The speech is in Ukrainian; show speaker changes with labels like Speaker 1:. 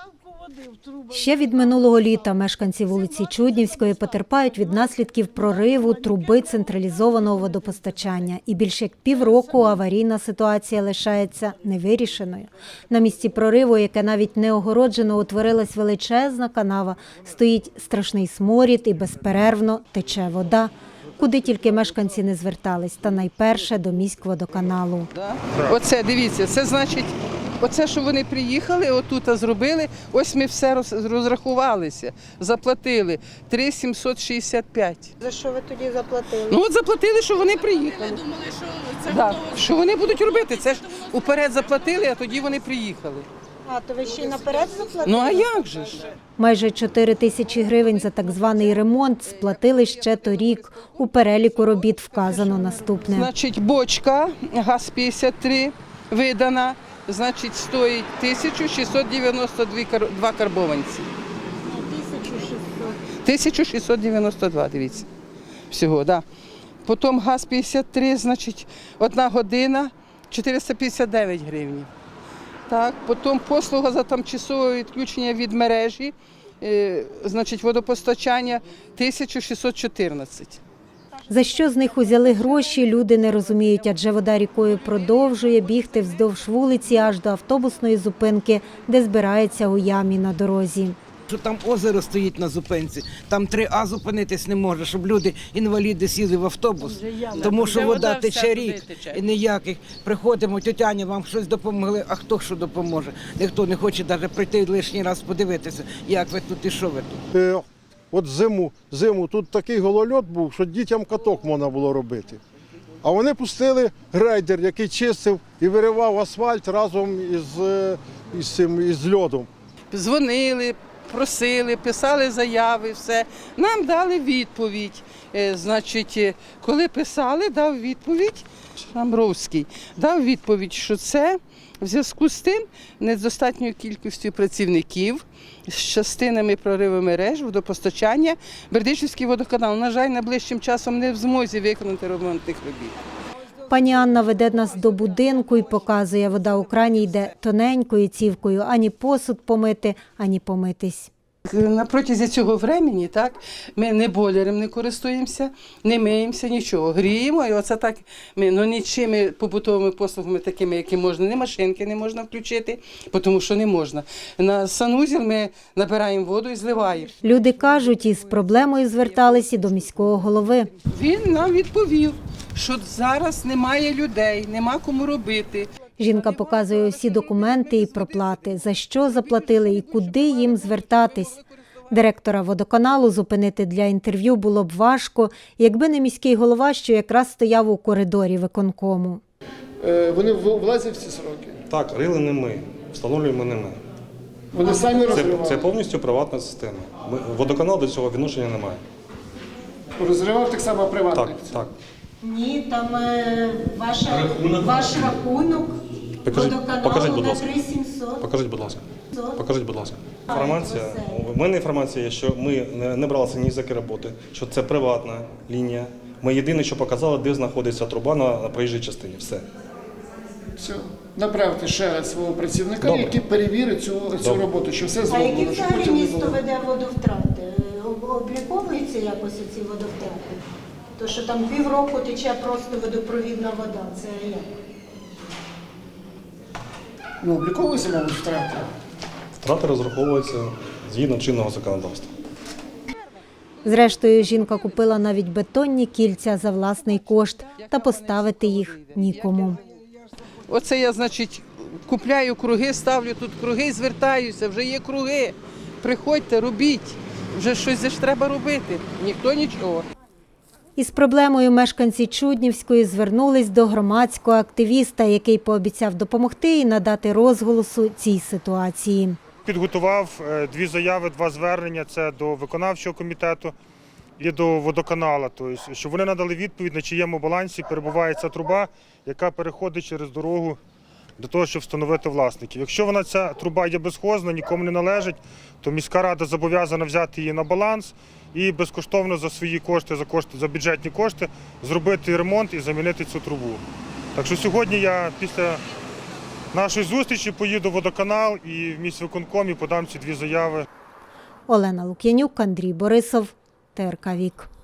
Speaker 1: Ще від минулого літа мешканці вулиці Чуднівської потерпають від наслідків прориву труби централізованого водопостачання. І більше як півроку аварійна ситуація лишається невирішеною. На місці прориву, яке навіть не огороджено, утворилась величезна канава, стоїть страшний сморід і безперервно тече вода. Куди тільки мешканці не звертались, та найперше до міськводоканалу.
Speaker 2: Оце, дивіться, це значить, оце, що вони приїхали, отут зробили, ось ми все розрахувалися, заплатили 3,765.
Speaker 1: За що ви тоді заплатили?
Speaker 2: Ну от заплатили, що вони приїхали.
Speaker 3: Думали, що це
Speaker 2: Да.
Speaker 3: готово.
Speaker 2: Що вони будуть робити, це ж уперед заплатили, а тоді вони приїхали.
Speaker 1: А, то ви ще й наперед заплатили?
Speaker 2: Ну а як же ж?
Speaker 1: Майже 4 тисячі гривень за так званий ремонт сплатили ще торік. У переліку робіт вказано наступне.
Speaker 2: Значить, бочка ГАЗ-53 видана, значить, стоїть 1692 карбованці. 1692, дивіться, всього, да. Потім ГАЗ-53, значить, 1 година 459 гривень. Так, потім послуга за тимчасове відключення від мережі, значить, водопостачання 1614.
Speaker 1: За що з них узяли гроші, люди не розуміють, адже вода рікою продовжує бігти вздовж вулиці аж до автобусної зупинки, де збирається у ямі на дорозі.
Speaker 4: Що там озеро стоїть на зупинці, там 3А зупинитись не може, щоб люди, інваліди, сіли в автобус, тому що вода тече рік і ніяких. Приходимо, тетя Аня, вам щось допомогли, а хто що допоможе? Ніхто не хоче навіть прийти лишній раз подивитися, як ви тут і що ви тут.
Speaker 5: От зиму тут такий голольот був, що дітям каток можна було робити. А вони пустили грейдер, який чистив і виривав асфальт разом із льодом.
Speaker 2: Дзвонили, просили, писали заяви, все. Нам дали відповідь. Значить, коли писали, дав відповідь, Шамровський, дав відповідь, що це в зв'язку з тим недостатньою кількістю працівників, з частинами прориву мереж, водопостачання, Бердичівський водоканал, на жаль, найближчим часом не в змозі виконати ремонтних робіт.
Speaker 1: Пані Анна веде нас до будинку і показує, вода у крані йде тоненькою цівкою, ані посуд помити, ані помитись.
Speaker 2: На протязі цього времени, так, ми не бойлером не користуємося, не миємося, нічого. Гріємо, і оце так, нічими побутовими послугами такими, які можна, ні машинки не можна включити, тому що не можна. На санузел ми набираємо воду і зливаємо.
Speaker 1: Люди кажуть, із проблемою звертались і до міського голови.
Speaker 2: Він нам відповів, що зараз немає людей, нема кому робити.
Speaker 1: Жінка показує усі документи і проплати, за що заплатили і куди їм звертатись. Директора водоканалу зупинити для інтерв'ю було б важко, якби не міський голова, що якраз стояв у коридорі виконкому.
Speaker 6: Вони влазять в ці сроки?
Speaker 7: Так, рили не ми, встановлюємо не ми.
Speaker 6: Вони самі розривали?
Speaker 7: Це повністю приватна система. Водоканал до цього відношення не має.
Speaker 6: Розривав так само приватний?
Speaker 7: Так, так.
Speaker 1: Ні, там ваш рахунок
Speaker 7: Покажіть, будь ласка.
Speaker 1: 3700.
Speaker 7: Покажіть, будь ласка. Інформація, у мене інформація є, що ми не бралися ні за які роботи, що це приватна лінія. Ми єдине, що показали, де знаходиться труба на проїжджій частині. Все.
Speaker 6: Все. Направте ще раз свого працівника,
Speaker 7: Добре.
Speaker 6: який перевірить цю роботу, що все зроблено.
Speaker 1: А які
Speaker 6: щоб
Speaker 1: взагалі
Speaker 6: потім не
Speaker 1: місто
Speaker 6: було.
Speaker 1: веде водовтрати? Обліковуються якось ці водовтрати? То, що там півроку тече просто водопровідна вода, це як?
Speaker 6: Ну, обліковуються, мабуть, втрати.
Speaker 7: Втрати розраховуються згідно чинного законодавства.
Speaker 1: Зрештою, жінка купила навіть бетонні кільця за власний кошт, та поставити їх нікому.
Speaker 2: Оце я, значить, купляю круги, ставлю тут круги і звертаюся, вже є круги. Приходьте, робіть, вже щось ж треба робити, ніхто нічого.
Speaker 1: Із проблемою мешканці Чуднівської звернулись до громадського активіста, який пообіцяв допомогти і надати розголосу цій ситуації.
Speaker 8: Підготував 2 заяви, 2 звернення, це до виконавчого комітету і до водоканалу, тобто, щоб вони надали відповідь, на чиєму балансі перебуває ця труба, яка переходить через дорогу для того, щоб встановити власників. Якщо ця труба є безхозна, нікому не належить, то міська рада зобов'язана взяти її на баланс і безкоштовно за свої кошти, за бюджетні кошти, зробити ремонт і замінити цю трубу. Так що сьогодні я після нашої зустрічі поїду в водоканал і в міськвиконком і подам ці 2 заяви.
Speaker 1: Олена Лук'янюк, Андрій Борисов, ТРК Вік.